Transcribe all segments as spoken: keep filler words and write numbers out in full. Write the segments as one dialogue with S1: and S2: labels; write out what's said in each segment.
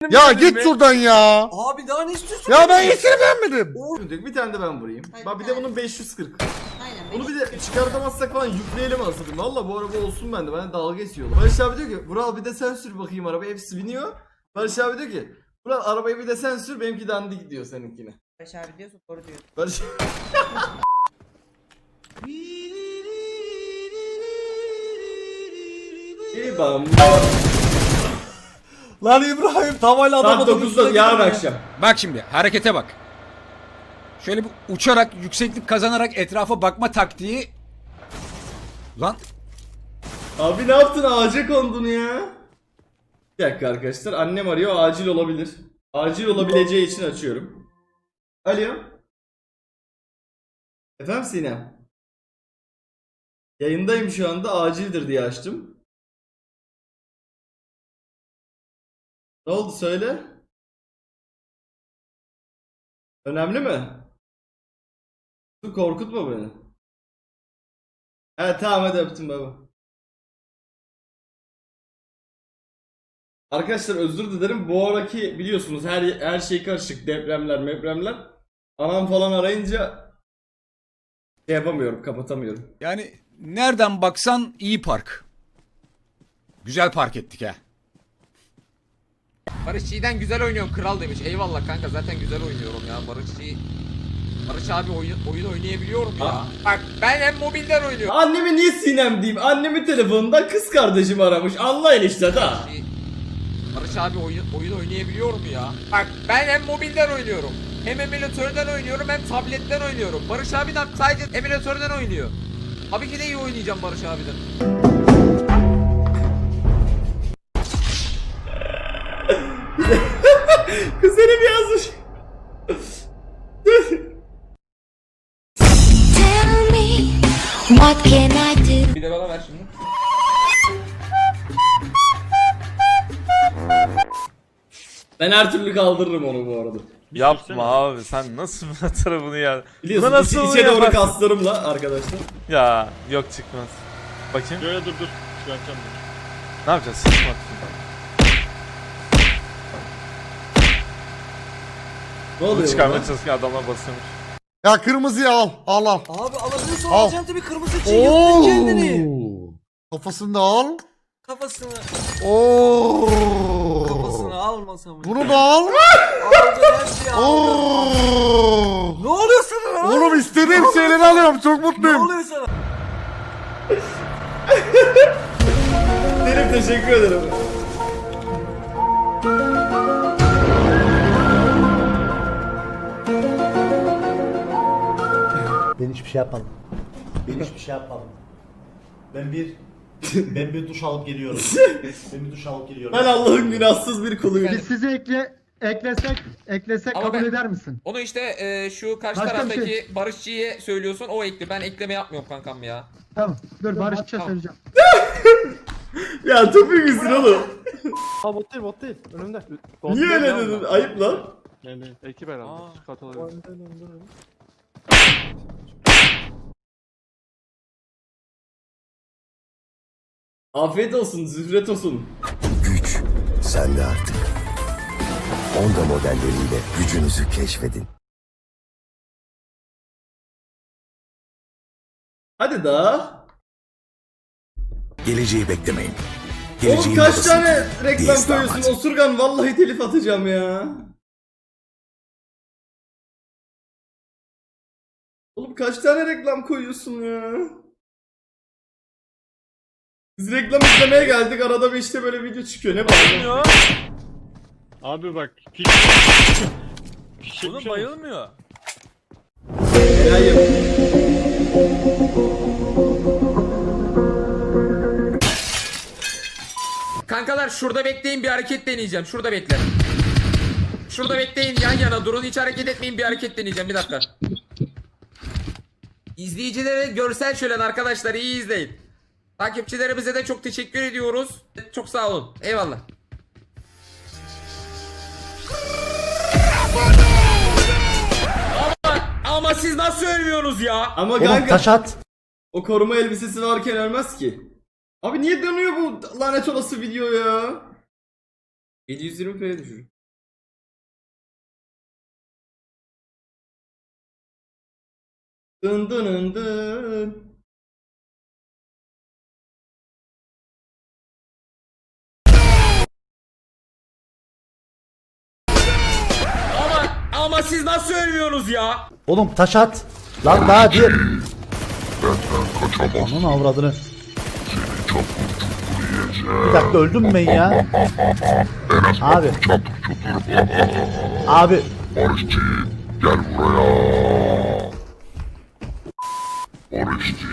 S1: Ya git şuradan ya.
S2: Abi daha ne istiyorsun?
S1: Ya ben yeşili beğenmedim.
S3: Bir tane de ben vurayım.
S4: Hayır,
S3: Bak bir de
S4: hayır.
S3: bunun beş yüz kırk.
S4: Aynen.
S3: Bunu bir de çıkartamazsak falan yükleyelim aslında. Valla bu araba olsun bende. Ben dalga geçiyorlar. Barış abi diyor ki Vural bir de sen sür bakayım araba. Hepsi biniyor. Barış abi diyor ki Vural arabayı bir de sen sür, benimki dandik diyor seninkine.
S4: Barış abi diyorsun, doğru diyor.
S3: Barış İyi bam.
S2: Lan İbrahim tavayla
S3: Saat
S2: adamı
S3: dokuzda yarın akşam.
S5: Bak şimdi harekete bak. Şöyle bir uçarak, yükseklik kazanarak etrafa bakma taktiği. Lan
S3: Abi ne yaptın, ağaca kondun ya? Bir dakika arkadaşlar, annem arıyor, acil olabilir. Acil olabileceği için açıyorum. Alo. Efendim Sinem. Yayındayım şu anda, acildir diye açtım. Ne oldu söyle. Önemli mi? Dur korkutma beni. Evet tamam hadi öptüm baba. Arkadaşlar özür dilerim. Bu araki biliyorsunuz her her şey karışık. Depremler, mepremler. Anam falan arayınca şey yapamıyorum, kapatamıyorum.
S5: yani nereden baksan iyi park. Güzel park ettik ha.
S6: Barışçı'dan güzel oynuyorsun kral demiş. Eyvallah kanka, zaten güzel oynuyorum ya Barışçı. Barış abi oyun, oyun oynayabiliyorum ya.
S3: Aa.
S6: Bak ben hem mobilden oynuyorum.
S3: Anneme niye Sinem diyeyim? Annemin telefonundan kız kardeşim aramış. Allah enişte da.
S6: Barış, Barış abi oyun, oyun oynayabiliyorum ya. Bak ben hem mobilden oynuyorum. Hem emülatörden oynuyorum hem tabletten oynuyorum. Barış abi de sadece emülatörden oynuyor. Tabii ki de iyi oynayacağım Barış abiden.
S3: Kuzenim yazmış.
S7: Tell me, what can I do?
S6: Bir de bana ver şimdi.
S3: Ben her türlü kaldırırım onu bu arada.
S8: Yapma abi, sen nasıl bir tarafını ya?
S3: Biliyorsun
S8: Buna nasıl
S3: içe,
S8: onu
S3: içe doğru
S8: yaparsın?
S3: kaslarımla arkadaşlar.
S8: Ya yok, çıkmaz. Bakayım.
S9: Şöyle dur dur. Çıkartacağım bunu.
S8: Ne yapacağız? Sıçmak.
S3: Ne
S8: Bunu
S3: oluyor
S8: çıkarmaya
S3: burada?
S8: çalışırken adamlar basıyormuş.
S1: Ya kırmızıyı al. Al al.
S2: Abi alabiliyorsan
S1: Al.
S2: alacaksın tabii, kırmızı için yıktın kendini.
S1: Kafasını da al.
S2: Kafasını.
S1: Oo.
S2: Kafasını almasam mı?
S1: Bunu da al.
S2: Aldın her şeyi aldın.
S1: Oo.
S2: Ne oluyor sana lan?
S1: Oğlum istediğim şeyleri alıyorum. Çok
S2: Ne
S1: mutluyum.
S2: oluyor sana?
S3: Derim teşekkür ederim.
S10: Ben hiçbir şey yapmadım. Ben hiçbir şey yapmadım. Ben bir ben bir duş alıp geliyorum. Ben bir duş alıp geliyorum.
S3: Ben Allah'ın günahsız bir kuluyum.
S6: Biz
S11: sizi ekle eklesek eklesek
S6: Ama
S11: kabul
S6: ben-
S11: eder misin?
S6: Onu işte e, şu karşı
S11: Başka bir
S6: taraftaki
S11: şey.
S6: Barışçı'ya söylüyorsun, o ekli. Ben ekleme yapmıyorum kankam ya.
S11: Tamam. Dur Barışça
S6: Tamam.
S11: söyleyeceğim.
S3: Ya topu misin oğlum?
S9: Aa bot değil bot değil. Önümde.
S3: Niye öyle dedin? Ayıp lan.
S9: Yani ekip herhalde. Katılabilir.
S3: Afiyet olsun, zühret olsun.
S10: Güç sende artık. Honda modelleriyle gücünüzü keşfedin.
S3: Hadi daha.
S10: Geleceği beklemeyin.
S3: Oğlum kaç
S10: odası.
S3: tane reklam
S10: Diyez
S3: koyuyorsun?
S10: damat.
S3: Osurgan vallahi telif atacağım ya. Oğlum kaç tane reklam koyuyorsun ya? Biz reklam izlemeye geldik, arada bir işte böyle video çıkıyor, ne bağırıyorsun?
S9: Abi bak. Pik.
S8: Oğlum bayılmıyor.
S3: Hayır.
S6: Kankalar şurada bekleyin, bir hareket deneyeceğim. Şurada bekle. Şurada bekleyin, yan yana durun, hiç hareket etmeyin, bir hareket deneyeceğim. Bir dakika. İzleyicilere görsel şölen arkadaşlar, iyi izleyin. Takipçilerimize de çok teşekkür ediyoruz. Çok sağ olun. Eyvallah. Ama, ama siz nasıl ölmüyorsunuz ya?
S3: Ama
S10: Oğlum
S3: kanka
S10: taş at.
S3: o koruma elbisesi varken ölmez ki. Abi niye dönüyor bu lanet olası video ya? yedi yüz yirmi p'ye düşür. Dın dın dın dın.
S6: Ama ama siz nasıl ölmüyorsunuz ya?
S10: Oğlum taş at. Lan daha diğer. Onun avradını. Bir dakika öldüm mü ben ya? Abi. Abi.
S1: Barışçı gel buraya. Barışçı.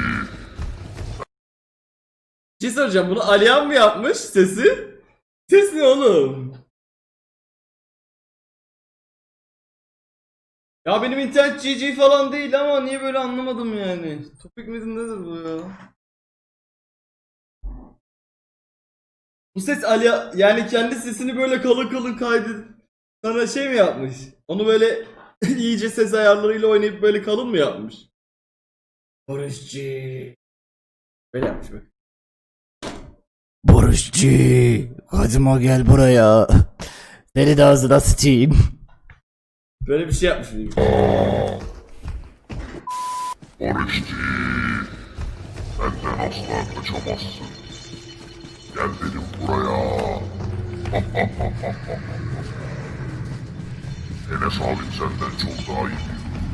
S3: Bir şey soracağım, bunu Alihan mı yapmış sesi? Ses ne oğlum? Ya benim internet G G falan değil ama niye böyle anlamadım yani. Topik midir nedir bu ya? Bu ses Ali yani kendi sesini böyle kalın kalın kaydedip sana şey mi yapmış? Onu böyle iyice ses ayarlarıyla oynayıp böyle kalın mı yapmış? Barışçı. Böyle yapmış bak.
S10: Barışçı. Kadıma gel buraya. Seni de ağzına sıçayım.
S3: Böyle bir şey yapmış.
S1: Barışçı. Benden asla kaçamazsın. Gel dedim buraya. Enes abim senden çok daha iyi.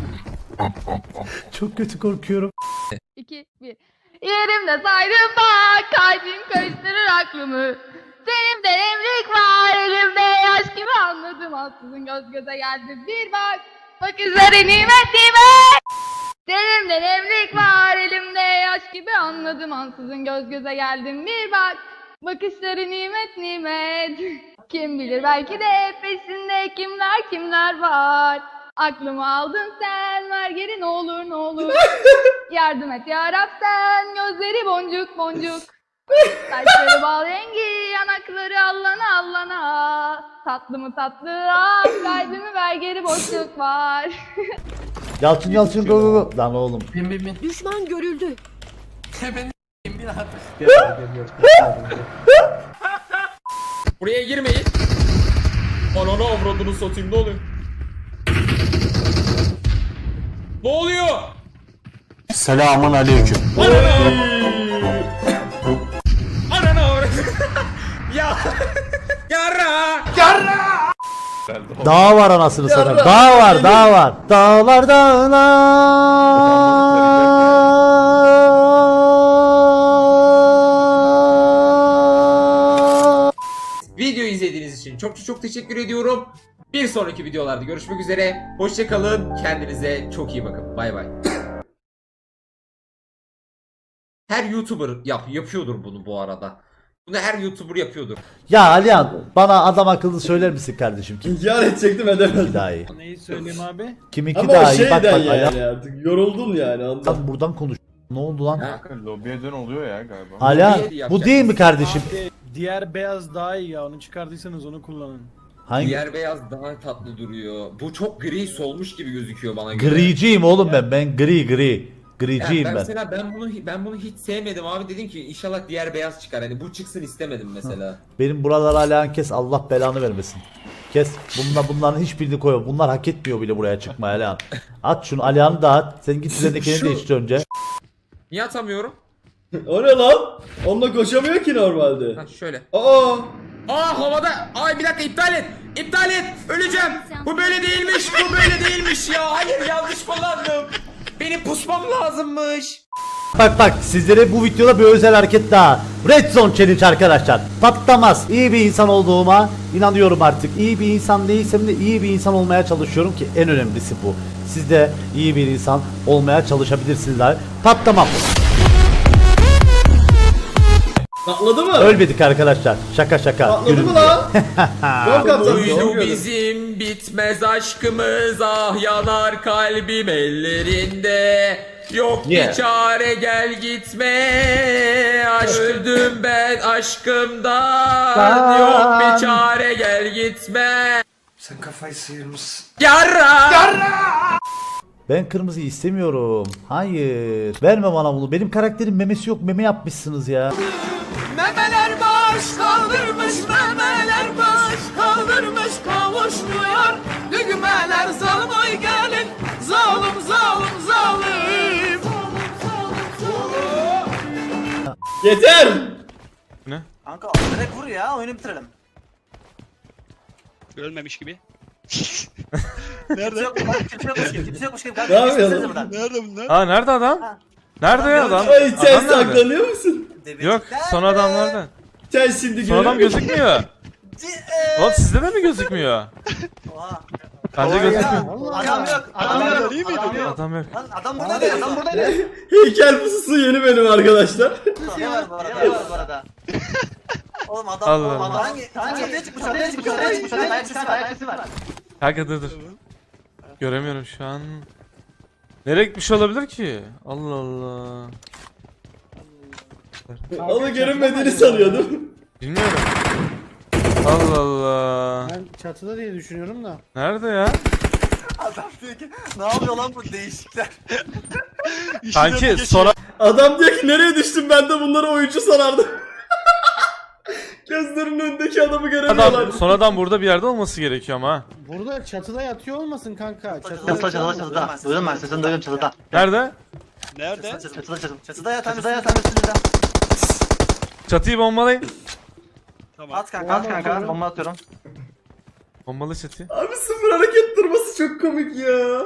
S10: Çok kötü korkuyorum.
S7: iki, bir. Yerimde saydım bak, kalbim karıştırır aklımı. Senin de emrik var, elimde yaş gibi anladım. Ansızın göz göze geldim bir bak, bakışları nimet nimet. Senin de emrik var, elimde yaş gibi anladım. Ansızın göz göze geldim bir bak, bakışları nimet nimet. Kim bilir belki de peşinde kimler kimler var. Aklımı aldın sen, ver geri ne olur ne olur. Yardım et yarab sen, gözleri boncuk boncuk. Saçları bal rengi, yanakları allana allana. Tatlı mı tatlı ah, kalbimi ver geri boşluk var.
S10: Yalçın Yalçın go go go. Lan oğlum.
S7: Düşman görüldü.
S6: Buraya girmeyin. Ananı avradını satayım, ne oluyor? Ne oluyor?
S8: Selamun aleyküm.
S6: Ananı avradını. Ya. Yarra.
S10: Dağ var anasını satayım. Dağ var, dağ var. Dağlar dağlar.
S6: Video izlediğiniz için çok çok çok teşekkür ediyorum. Bir sonraki videolarda görüşmek üzere. Hoşça kalın. Kendinize çok iyi bakın. Bay bay. Her YouTuber yap yapıyordur bunu bu arada. Bunu her YouTuber yapıyordur.
S10: Ya Alihan bana adam akıllı söyler misin kardeşim? Kim
S3: İnkar edecektim edemezdim.
S10: daha iyi?
S8: Neyi söyleyeyim abi?
S10: Kiminki
S3: Ama o
S10: daha iyi? Bak
S3: şeyden
S10: bak
S3: yani
S10: Alihan.
S3: artık yoruldun yani anladın.
S10: Sen buradan konuş. Ne oldu lan?
S6: Ha?
S8: Lobiye dön oluyor ya galiba.
S10: Alihan
S6: Lobiye
S10: bu değil mi kardeşim?
S8: Abi, diğer beyaz daha iyi ya, onu çıkardıysanız onu kullanın.
S10: Hangi?
S6: Diğer beyaz daha tatlı duruyor. Bu çok gri solmuş gibi gözüküyor bana göre.
S10: Griciyim oğlum ben. Ben gri gri.
S6: Ya
S10: Griciyim
S6: ben
S10: ben.
S6: mesela ben bunu ben bunu hiç sevmedim abi, dedim ki inşallah diğer beyaz çıkar. Hani bu çıksın istemedim mesela.
S10: Benim buralara Alihan kes, Allah belanı vermesin. Kes. Bunlar bunların hiçbirini koyma. Bunlar hak etmiyor bile buraya çıkmaya Alihan. At şunu, Alihan'ı da at. Sen git üzerindekini
S6: Şu-
S10: değiştir önce.
S6: Niye atamıyorum?
S3: O ne lan? Onunla koşamıyor ki normalde.
S6: Ha şöyle.
S3: Aa!
S6: Aa havada. Ay bir dakika, iptal et. İptal et. Öleceğim. Bu böyle değilmiş. Bu böyle değilmiş ya. Hayır, yanlış kullandım. Benim pusmam lazımmış.
S10: Bak bak sizlere bu videoda bir özel hareket daha. Red Zone Challenge arkadaşlar. Patlamaz. İyi bir insan olduğuma inanıyorum artık. İyi bir insan değilsem de iyi bir insan olmaya çalışıyorum ki en önemlisi bu. Siz de iyi bir insan olmaya çalışabilirsiniz abi. Patlamam.
S3: Patladı mı?
S10: Ölmedik arkadaşlar. Şaka şaka.
S3: Patladı
S10: Gülün
S3: mı
S10: diye.
S3: lan? Yok kaptan.
S6: Buydu bizim bitmez aşkımız, ah yanar kalbim ellerinde. Yok
S10: Yeah.
S6: bir çare, gel gitme. Aşk öldüm ben aşkımdan. Yok bir çare, gel gitme. Sen kafayı sıyırmışsın. Yarra.
S10: Ben kırmızı istemiyorum. Hayır. Verme bana bunu. Benim karakterin memesi yok. Meme yapmışsınız ya.
S2: Memeler baş kaldırmış, memeler baş kaldırmış, kavuşmuyor. Düğmeler zalim, oy gelin, zalim zalim zalim.
S3: Yeter.
S2: Kanka direkt vur ya oyunu bitirelim.
S4: Ölmemiş gibi.
S2: Kimse yok, kimse yokmuş gibi, kimse yokmuş gibi.
S3: Ne yapıyorsun?
S4: Nerede bunlar?
S12: Ha nerede adam? Nerede ya adam?
S3: Ay sen
S12: Adam nerede?
S3: saklanıyor musun?
S12: Yok son adam nerede?
S3: Sen şimdi
S12: Son adam
S3: görüyorum.
S12: gözükmüyor. Oğlum sizde de mi gözükmüyor?
S2: Oha.
S12: Bence gözükmüyor.
S2: Adam yok, adam yok.
S4: iyi miydi?
S2: Adam yok.
S12: Adam yok.
S2: Lan adam buradaydı, adam buradaydı.
S3: Heykel pususu yeni benim arkadaşlar.
S2: Ne var bu arada? Ne var bu arada? Oğlum adam,
S12: Allah
S2: oğlum
S12: Allah.
S2: adam hangi? Hangi? Çatıya çıkmış, çatıya çıkmış, çatıya çıkmış. Ayak sesi var, ayak sesi var.
S12: Kanka dur dur. Göremiyorum şu an. Nereye gitmiş olabilir ki? Allah Allah.
S3: Ama görünmediğini sanıyordum.
S12: Bilmiyorum. Allah Allah.
S8: Ben çatıda diye düşünüyorum da.
S12: Nerede ya?
S2: Adam diyor ki, ne yapıyor lan bu değişikler?
S12: Kanki sonra
S3: Adam diyor ki nereye düştüm ben de bunları oyuncu sanardım. Gözlerinin önündeki adamı göremiyorlar.
S12: adam, son adam burada bir yerde olması gerekiyor ama ha.
S8: Burada çatıda yatıyor olmasın kanka. Çatıda,
S2: Çatıda, çatıda, çatıda. Duydum ben sesini duydum çatıda.
S12: Nerede?
S4: Nerede?
S2: Çatıda, çatıda. Çatıda yatan, çatıda yatan üstünüzde.
S12: Çatıyı bombalayın.
S4: Tamam.
S2: At kanka, at kanka. Bomba atıyorum.
S12: Bombalı çatıyı.
S3: Abi sıfır hareket durması çok komik ya.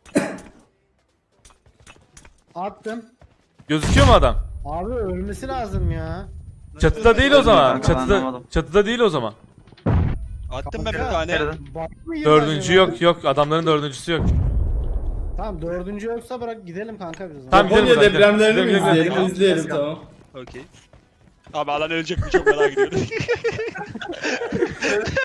S8: attım.
S12: Gözüküyor mu adam?
S8: Abi ölmesi lazım ya.
S12: Çatıda değil o zaman.
S2: Kanka, ben
S12: Çatıda
S2: anlamadım.
S12: çatıda değil o zaman.
S4: Attım ben bir tane.
S2: Nereden?
S8: Bak mı yedi
S12: Dördüncü
S8: acaba?
S12: yok yok. Adamların dördüncüsü yok.
S8: Tamam dördüncü yoksa bırak gidelim kanka biz.
S12: Tamam, gidelim
S3: Japonya
S12: buradan, gidelim.
S3: depremlerini mi
S12: Gidelim, gidelim,
S3: izleyelim?
S12: gidelim.
S3: İzleyelim tamam.
S4: Okey. Abi alan ölecek mi çok merak ediyorum.